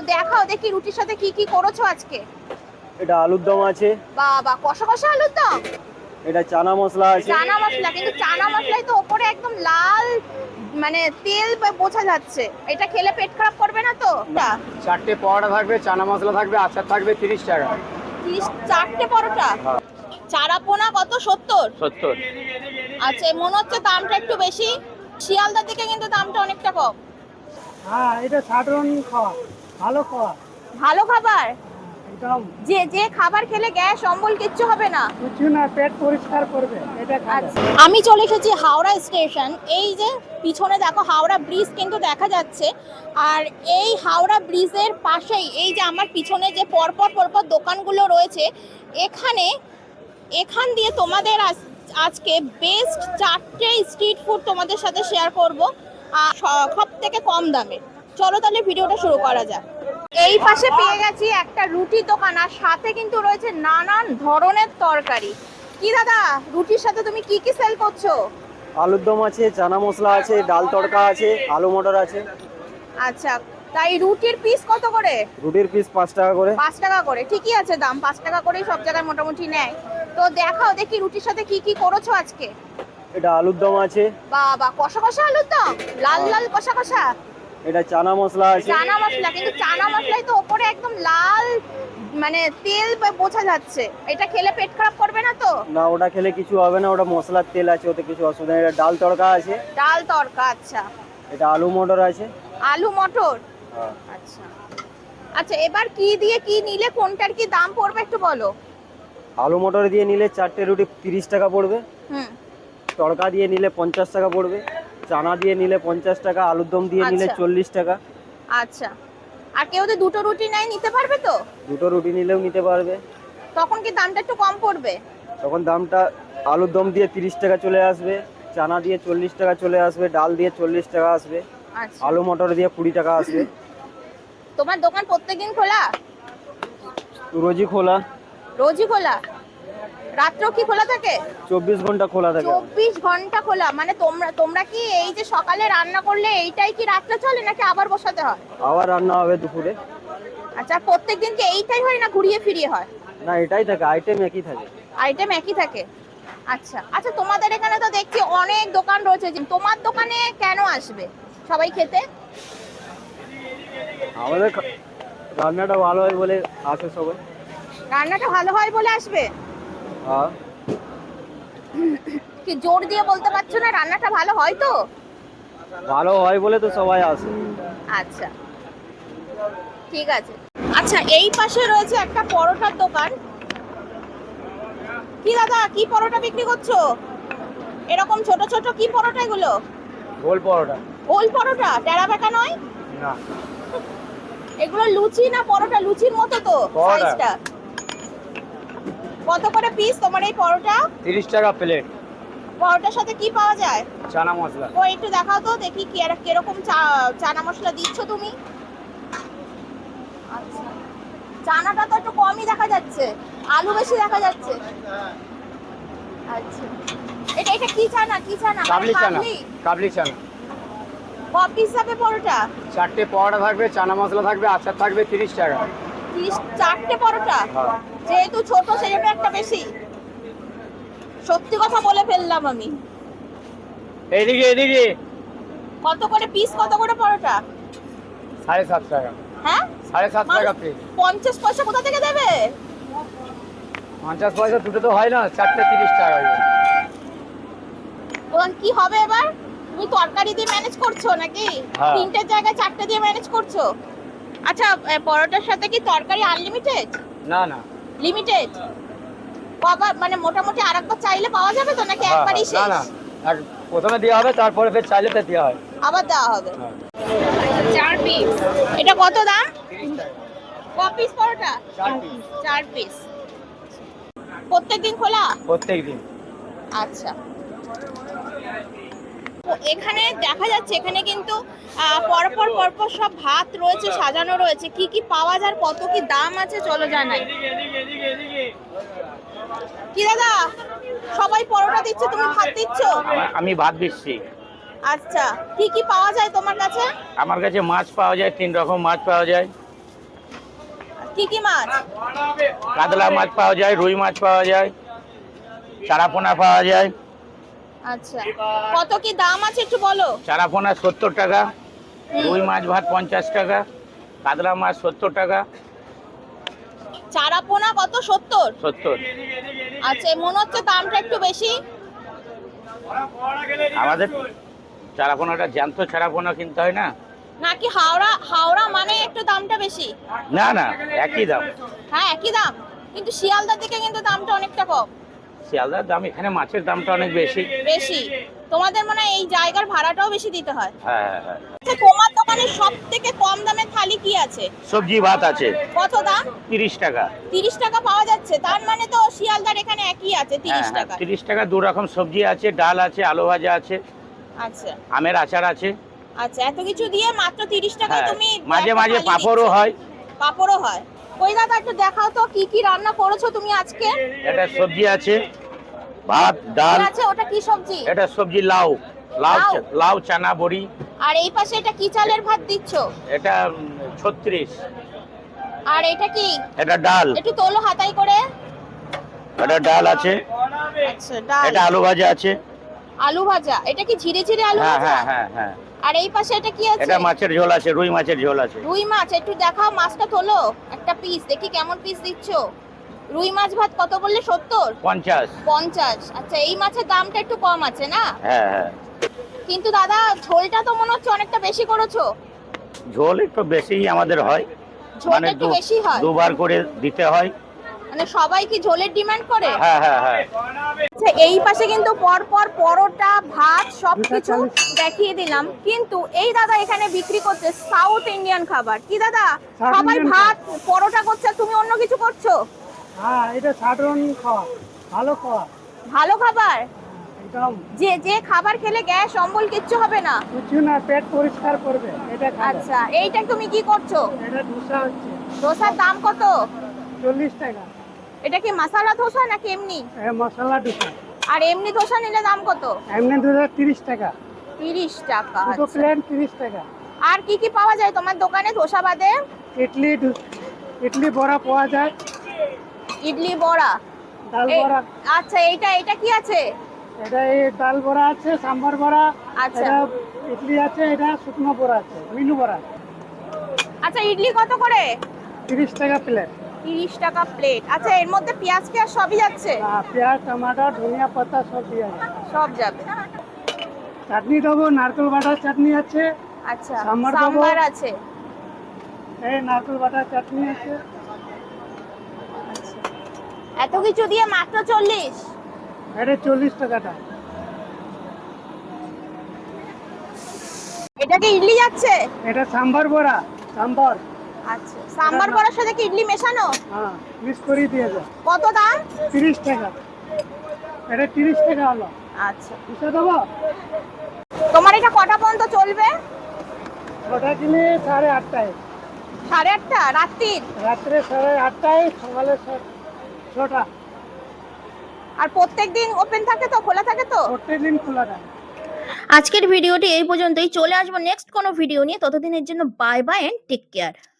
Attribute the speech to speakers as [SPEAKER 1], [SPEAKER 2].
[SPEAKER 1] দেখাও দেখি রুটির সাথে কি কি করেছো আজকে।
[SPEAKER 2] এটা আলুর দম আছে,
[SPEAKER 1] বাবা কষা কষা আলুর দম।
[SPEAKER 2] এটা চানা মশলা আছে।
[SPEAKER 1] চানা মশলা, কিন্তু চানা মশলাই তো ওপরে একদম লাল মানে তেল বোঝা যাচ্ছে, এটা খেলে পেট খারাপ করবে না তো?
[SPEAKER 3] চারটে পরোটা থাকবে, চানা মশলা থাকবে, আচার থাকবে, 30 টাকা।
[SPEAKER 1] 4টে পরোটা। চারাপোনা কত? 70।
[SPEAKER 3] 70।
[SPEAKER 1] আচ্ছা, মনে হচ্ছে দামটা একটু বেশি। শিয়ালদার দিকে কিন্তু দামটা অনেকটা কম।
[SPEAKER 4] হ্যাঁ, এটা সাধারণ খাওয়া, ভালো খাওয়া,
[SPEAKER 1] ভালো খাবার,
[SPEAKER 4] একদম
[SPEAKER 1] যে যে খাবার খেলে গ্যাস অম্বল কিচ্ছু হবে না।
[SPEAKER 4] কিছু না, পেট পরিষ্কার করবে এটা খাবে।
[SPEAKER 1] আমি চলে এসেছি হাওড়া স্টেশন। এই যে পিছনে দেখো হাওড়া ব্রিজ কিন্তু দেখা যাচ্ছে, আর এই হাওড়া ব্রিজের পাশেই এই যে আমার পিছনে যে পরপর পরপর দোকানগুলো রয়েছে, এখান দিয়ে তোমাদের আজকে বেস্ট 4টে স্ট্রিট ফুড তোমাদের সাথে শেয়ার করব, আর সব থেকে কম দামে। চলো তাহলে ভিডিওটা শুরু করা যাক। এই পাশে পেয়ে গেছি একটা রুটির দোকান, আর সাথে কিন্তু রয়েছে নানান ধরনের তরকারি। কি দাদা, রুটির সাথে তুমি কি কি সেল করছো?
[SPEAKER 2] আলুর দম আছে, চানা মশলা আছে, ডাল তড়কা আছে, আলু মটর আছে।
[SPEAKER 1] আচ্ছা, তাই রুটির পিস কত করে?
[SPEAKER 2] রুটির পিস 5 টাকা করে।
[SPEAKER 1] 5 টাকা করে, ঠিকই আছে দাম, 5 টাকা করেই সব জায়গায় মোটামুটি নেয়। তো দেখাও দেখি রুটির সাথে কি কি করেছো আজকে।
[SPEAKER 2] এটা আলুর দম আছে,
[SPEAKER 1] বাবা কষা কষা আলুর দম, লাল লাল কষা কষা।
[SPEAKER 2] এটা চানা মশলা আছে।
[SPEAKER 1] চানা মশলা, কিন্তু চানা মশলাই তো ওপরে একদম লাল মানে তেল বোঝা যাচ্ছে, এটা খেলে পেট খারাপ করবে না তো?
[SPEAKER 2] না, ওটা খেলে কিছু হবে না, ওটা মশলার তেল আছে, ওতে কিছু অসুবিধা নেই। এটা ডাল তড়কা আছে।
[SPEAKER 1] ডাল তড়কা, আচ্ছা।
[SPEAKER 2] এটা আলু মটর আছে।
[SPEAKER 1] আলু মটর,
[SPEAKER 2] হ্যাঁ।
[SPEAKER 1] আচ্ছা। আচ্ছা, এবার কি দিয়ে কি নিলে কোনটার কি দাম পড়বে একটু বলো।
[SPEAKER 2] আলু মটর দিয়ে নিলে 4টে রুটি 30 টাকা পড়বে।
[SPEAKER 1] হুম।
[SPEAKER 2] তড়কা দিয়ে নিলে 50 টাকা পড়বে। চানা দিয়ে নিলে 50 টাকা, আলুর দম দিয়ে নিলে
[SPEAKER 1] আচ্ছা।
[SPEAKER 2] 40 টাকা।
[SPEAKER 1] আচ্ছা, আর কেউ যদি দুটো রুটি নেয় নিতে পারবে তো?
[SPEAKER 2] দুটো রুটি নিলেও নিতে পারবে।
[SPEAKER 1] তখন কি দামটা একটু কম পড়বে?
[SPEAKER 2] তখন দামটা আলুর দম দিয়ে 30 টাকা চলে আসবে, চানা দিয়ে 40 টাকা চলে আসবে, ডাল দিয়ে 40 টাকা আসবে,
[SPEAKER 1] আচ্ছা।
[SPEAKER 2] আলু মটর দিয়ে 20 টাকা আসবে।
[SPEAKER 1] তোমার দোকান প্রত্যেকদিন খোলা?
[SPEAKER 2] রোজই খোলা।
[SPEAKER 1] রোজই খোলা? রাত্রেও কি খোলা থাকে?
[SPEAKER 2] 24 ঘন্টা খোলা থাকে।
[SPEAKER 1] 24 ঘন্টা খোলা, মানে তোমরা কি এই যে সকালে রান্না করলে এইটাই কি রাত্রে চলে নাকি আবার বসাতে হয়?
[SPEAKER 2] আবার রান্না হবে দুপুরে।
[SPEAKER 1] আচ্ছা, প্রত্যেকদিন কি এইটাই হয় না ঘুরিয়ে ফিরিয়ে হয়?
[SPEAKER 2] না, এটাই থাকে, আইটেম একই থাকে।
[SPEAKER 1] আইটেম একই থাকে, আচ্ছা। আচ্ছা, তোমাদের এখানে তো দেখছি অনেক দোকান রয়েছে, তোমার দোকানে কেন আসবে সবাই খেতে?
[SPEAKER 2] আমাদের রান্নাটা ভালো হয় বলে আসে সবাই।
[SPEAKER 1] রান্নাটা ভালো হয় বলে আসবে?
[SPEAKER 2] হ্যাঁ।
[SPEAKER 1] কি জোর দিয়ে বলতে পারছো না রান্নাটা ভালো হয় তো?
[SPEAKER 2] ভালো হয় বলে তো সবাই আসে।
[SPEAKER 1] আচ্ছা, ঠিক আছে। আচ্ছা, এই পাশে রয়েছে একটা পরোটার দোকান। কি দাদা, কি পরোটা বিক্রি করছো? এরকম ছোট ছোট কি পরোটা এগুলো?
[SPEAKER 2] গোল পরোটা।
[SPEAKER 1] গোল পরোটা, টেরা বেঁকা নয়?
[SPEAKER 2] না।
[SPEAKER 1] এগুলো লুচি না পরোটা? লুচির মতো তো
[SPEAKER 2] পরোটা।
[SPEAKER 1] সাইজটা। কত করে পিস তোমার এই পরোটা?
[SPEAKER 3] 30 টাকা প্লেট।
[SPEAKER 1] পরোটার সাথে কি পাওয়া যায়?
[SPEAKER 3] চানা মশলা।
[SPEAKER 1] ও একটু দেখাও তো দেখি কিরকম চানা মশলা দিচ্ছ তুমি। আচ্ছা, চানাটা তো একটু কমই দেখা যাচ্ছে, আলু বেশি দেখা যাচ্ছে। আচ্ছা, এটা কি চানা? কি চানা?
[SPEAKER 3] কাবলি চানা। কাবলি চানা।
[SPEAKER 1] কত পিস হবে পরোটা?
[SPEAKER 3] চারটে পরোটা থাকবে, চানা মশলা থাকবে, আচার থাকবে, 30 টাকা।
[SPEAKER 1] 4টে পরোটা?
[SPEAKER 3] হ্যাঁ।
[SPEAKER 1] যেহেতু ছোট সেজন্য একটা বেশি। সত্যি কথা বলে ফেললাম আমি।
[SPEAKER 3] এদিকে এদিকে।
[SPEAKER 1] কত করে পিস, কত করে পরোটা?
[SPEAKER 3] 7.5 টাকা।
[SPEAKER 1] হ্যাঁ,
[SPEAKER 3] 7.5 টাকা পিস।
[SPEAKER 1] 50 পয়সা কোথা থেকে দেবে?
[SPEAKER 3] 50 পয়সা দুটো তো হয় না, চারটে 30 টাকা।
[SPEAKER 1] ওখান কি হবে এবার? তুমি তরকারি দিয়ে ম্যানেজ করছো নাকি?
[SPEAKER 3] হ্যাঁ।
[SPEAKER 1] 3টের জায়গায় 4টে দিয়ে ম্যানেজ করছো? আচ্ছা, পরোটার সাথে কি তরকারি আনলিমিটেড?
[SPEAKER 3] না না।
[SPEAKER 1] লিমিটেড? কবার মানে মোটামুটি আরেকবার চাইলে পাওয়া যাবে তো নাকি একবারই
[SPEAKER 3] না
[SPEAKER 1] শেষ?
[SPEAKER 3] না, প্রথমে দেওয়া হবে, তারপরে ফের চাইলে তো দেওয়া হয়।
[SPEAKER 1] আবার দেওয়া হবে?
[SPEAKER 3] হ্যাঁ।
[SPEAKER 1] 4 পিস। এটা কত দাম? ক পিস পরোটা?
[SPEAKER 3] 4 পিস।
[SPEAKER 1] 4 পিস। প্রত্যেকদিন খোলা?
[SPEAKER 3] প্রত্যেকদিন।
[SPEAKER 1] আচ্ছা, তো এখানে দেখা যাচ্ছে এখানে কিন্তু পরপর পরপর সব ভাত রয়েছে, সাজানো রয়েছে। কি কি পাওয়া যায়, কত কি দাম আছে, চলো জানাই। কি দাদা, সবাই পরোটা দিচ্ছে, তুমি ভাত দিচ্ছ?
[SPEAKER 3] আমি ভাত দিচ্ছি।
[SPEAKER 1] আচ্ছা, কি কি পাওয়া যায় তোমার কাছে?
[SPEAKER 3] আমার কাছে মাছ পাওয়া যায়, 3 রকম মাছ পাওয়া যায়।
[SPEAKER 1] কি কি মাছ?
[SPEAKER 5] কাতলা মাছ পাওয়া যায়, রুই মাছ পাওয়া যায়, চারাপোনা পাওয়া যায়।
[SPEAKER 1] আচ্ছা, কত কি দাম আছে একটু বলো।
[SPEAKER 5] চারাপোনা 70 টাকা, রুই মাছ ভাত 50 টাকা, কাতলা মাছ 70 টাকা।
[SPEAKER 1] চারাপোনা কত? 70।
[SPEAKER 5] 70।
[SPEAKER 1] আচ্ছা, মনে হচ্ছে দামটা একটু বেশি।
[SPEAKER 5] আমাদের চারাপোনাটা জ্যান্ত চারাপোনা কিনতে হয় না।
[SPEAKER 1] নাকি হাওড়া মানে একটু দামটা বেশি?
[SPEAKER 5] না না, একই দাম।
[SPEAKER 1] হ্যাঁ, একই দাম, কিন্তু শিয়ালদার দিকে কিন্তু দামটা অনেকটা কম।
[SPEAKER 5] শিয়ালদার দাম, এখানে মাছের দামটা অনেক বেশি।
[SPEAKER 1] বেশি? তোমাদের মনে হয় এই জায়গার ভাড়াটাও বেশি দিতে হয়।
[SPEAKER 5] হ্যাঁ হ্যাঁ হ্যাঁ।
[SPEAKER 1] আচ্ছা, তোমার দোকানে সব থেকে কম দামের থালি কি আছে?
[SPEAKER 5] সবজি ভাত আছে
[SPEAKER 1] কত দাম?
[SPEAKER 5] 30 টাকা।
[SPEAKER 1] 30 টাকা পাওয়া যাচ্ছে, তার মানে তো শিয়ালদার এখানে একই আছে 30 টাকা।
[SPEAKER 5] 30 টাকা। 2 রকম সবজি আছে, ডাল আছে, আলু ভাজা আছে,
[SPEAKER 1] আচ্ছা
[SPEAKER 5] আমের আচার আছে।
[SPEAKER 1] আচ্ছা, এত কিছু দিয়ে মাত্র 30 টাকায়
[SPEAKER 5] হ্যাঁ,
[SPEAKER 1] তুমি
[SPEAKER 5] মাঝে
[SPEAKER 1] একটা
[SPEAKER 5] মাঝে
[SPEAKER 1] থালি
[SPEAKER 5] পাঁপড়ও
[SPEAKER 1] দিচ্ছ।
[SPEAKER 5] হয়।
[SPEAKER 1] পাঁপড়ও হয়। কই দাদা, একটু দেখাও তো কি কি রান্না করেছো তুমি আজকে।
[SPEAKER 5] এটা সবজি আছে, ভাত, ডাল।
[SPEAKER 1] কি আছে ওটা? কি সবজি?
[SPEAKER 5] এটা সবজি লাউ, লাউ,
[SPEAKER 1] লাউ?
[SPEAKER 5] লাউ, চানা বড়ি।
[SPEAKER 1] আর এই পাশে এটা কি চালের ভাত দিচ্ছ?
[SPEAKER 5] এটা 36।
[SPEAKER 1] আর এটা কি?
[SPEAKER 5] এটা ডাল।
[SPEAKER 1] একটু তোলো হাতাই করে।
[SPEAKER 5] এটা ডাল আছে।
[SPEAKER 1] আচ্ছা, ডাল।
[SPEAKER 5] এটা আলু ভাজা আছে।
[SPEAKER 1] আলু ভাজা? এটা কি ঝিরে ঝিরে আলু
[SPEAKER 5] হ্যাঁ
[SPEAKER 1] ভাজা?
[SPEAKER 5] হ্যাঁ হ্যাঁ হ্যাঁ।
[SPEAKER 1] আর এই পাশে এটা কি আছে?
[SPEAKER 5] এটা মাছের ঝোল আছে, রুই মাছের ঝোল আছে।
[SPEAKER 1] রুই মাছ, একটু দেখাও মাছটা তোলো, একটা পিস দেখি কেমন পিস দিচ্ছ। রুই মাছ ভাত কত বললে? 70?
[SPEAKER 5] 50।
[SPEAKER 1] 50। আচ্ছা, এই মাছের দামটা একটু কম আছে না?
[SPEAKER 5] হ্যাঁ হ্যাঁ।
[SPEAKER 1] কিন্তু দাদা ঝোলটা তো মনে হচ্ছে অনেকটা বেশি করেছো।
[SPEAKER 5] ঝোল একটু বেশি আমাদের হয়,
[SPEAKER 1] ঝোলটা একটু বেশি হয়?
[SPEAKER 5] দুবার করে দিতে হয়।
[SPEAKER 1] মানে সবাই কি ঝোলের ডিমান্ড করে?
[SPEAKER 5] হ্যাঁ হ্যাঁ হ্যাঁ।
[SPEAKER 1] আচ্ছা, এই পাশে কিন্তু পরপর পরোটা, ভাত সবকিছু দেখিয়ে দিলাম, কিন্তু এই দাদা এখানে বিক্রি করছে সাউথ ইন্ডিয়ান খাবার। কি দাদা,
[SPEAKER 4] South
[SPEAKER 1] সবাই
[SPEAKER 4] Indian
[SPEAKER 1] ভাত পরোটা করছে, আর তুমি অন্য কিছু করছো?
[SPEAKER 4] হ্যাঁ, এটা সাধারণ খাওয়া, ভালো খাওয়া
[SPEAKER 1] ভালো খাবার,
[SPEAKER 4] একদম।
[SPEAKER 1] যে যে খাবার খেলে গ্যাস অম্বল কিচ্ছু হবে না।
[SPEAKER 4] কিছু না, পেট পরিষ্কার করবে এটা খাবে।
[SPEAKER 1] আচ্ছা, এইটা তুমি কি করছো?
[SPEAKER 4] এটা ধোসা হচ্ছে
[SPEAKER 1] ধোসার দাম কত?
[SPEAKER 4] 40 টাকা।
[SPEAKER 1] এটা কি মশলা ধোসা নাকি এমনি?
[SPEAKER 4] মশলা ধোসা।
[SPEAKER 1] আর এমনি ধোসা নিলে দাম কত?
[SPEAKER 4] এমনি ধোসা 30 টাকা।
[SPEAKER 1] 30 টাকা।
[SPEAKER 4] দুটো
[SPEAKER 1] আচ্ছা।
[SPEAKER 4] প্লেট 30 টাকা।
[SPEAKER 1] আর কি কি পাওয়া যায় তোমার দোকানে ধোসা বাদে?
[SPEAKER 4] ইডলি বড়া পাওয়া যায়,
[SPEAKER 1] ইডলি বড়া,
[SPEAKER 4] ডাল
[SPEAKER 1] এই-
[SPEAKER 4] বড়া।
[SPEAKER 1] আচ্ছা, এটা কি আছে?
[SPEAKER 4] এটা এই ডাল বড়া আছে, সাম্বার বড়া।
[SPEAKER 1] আচ্ছা।
[SPEAKER 4] এটা ইডলি আছে, এটা শুকনো বড়া আছে, মিনু বড়া।
[SPEAKER 1] আচ্ছা, ইডলি কত করে?
[SPEAKER 4] 30 টাকা প্লেট।
[SPEAKER 1] 30 টাকা প্লেট। আচ্ছা, এর মধ্যে পেঁয়াজ সবই যাচ্ছে?
[SPEAKER 4] পেঁয়াজ, টমাটো, ধনিয়া পাতা সব দিয়ে আছে।
[SPEAKER 1] সব যাবে।
[SPEAKER 4] চাটনি দেবো, নারকেল বাটার চাটনি আছে,
[SPEAKER 1] আচ্ছা,
[SPEAKER 4] সাম্বার দেবো।
[SPEAKER 1] সাম্বার আছে।
[SPEAKER 4] এই নারকেল বাটার চাটনি আছে।
[SPEAKER 1] আচ্ছা, এত কিছু দিয়ে মাত্র 40?
[SPEAKER 4] এটা 40 টাকাটা।
[SPEAKER 1] এটা কি ইডলি যাচ্ছে?
[SPEAKER 4] এটা সাম্বার বড়া, সাম্বার।
[SPEAKER 1] আচ্ছা, সাম্বার বড়ার সাথে কি ইডলি মেশানো?
[SPEAKER 4] হ্যাঁ, মিক্স করে দিয়ে দাও।
[SPEAKER 1] কত দাম?
[SPEAKER 4] 30 টাকা। এটা 30 টাকা হলো।
[SPEAKER 1] আচ্ছা,
[SPEAKER 4] বুঝতে দেবো?
[SPEAKER 1] তোমার এটা কটা পর্যন্ত চলবে?
[SPEAKER 4] ওটা কিনে 8:30টায়,
[SPEAKER 1] 8:30 রাত্রির?
[SPEAKER 4] রাত্রে 8:30টায়, সকালে 6টা।
[SPEAKER 1] আর প্রত্যেকদিন ওপেন থাকে তো, খোলা থাকে তো?
[SPEAKER 4] প্রত্যেকদিন খোলা থাকে।
[SPEAKER 1] আজকের ভিডিওটি এই পর্যন্তই। চলে আসবো নেক্সট কোনো ভিডিও নিয়ে, ততদিনের জন্য bye bye and take care.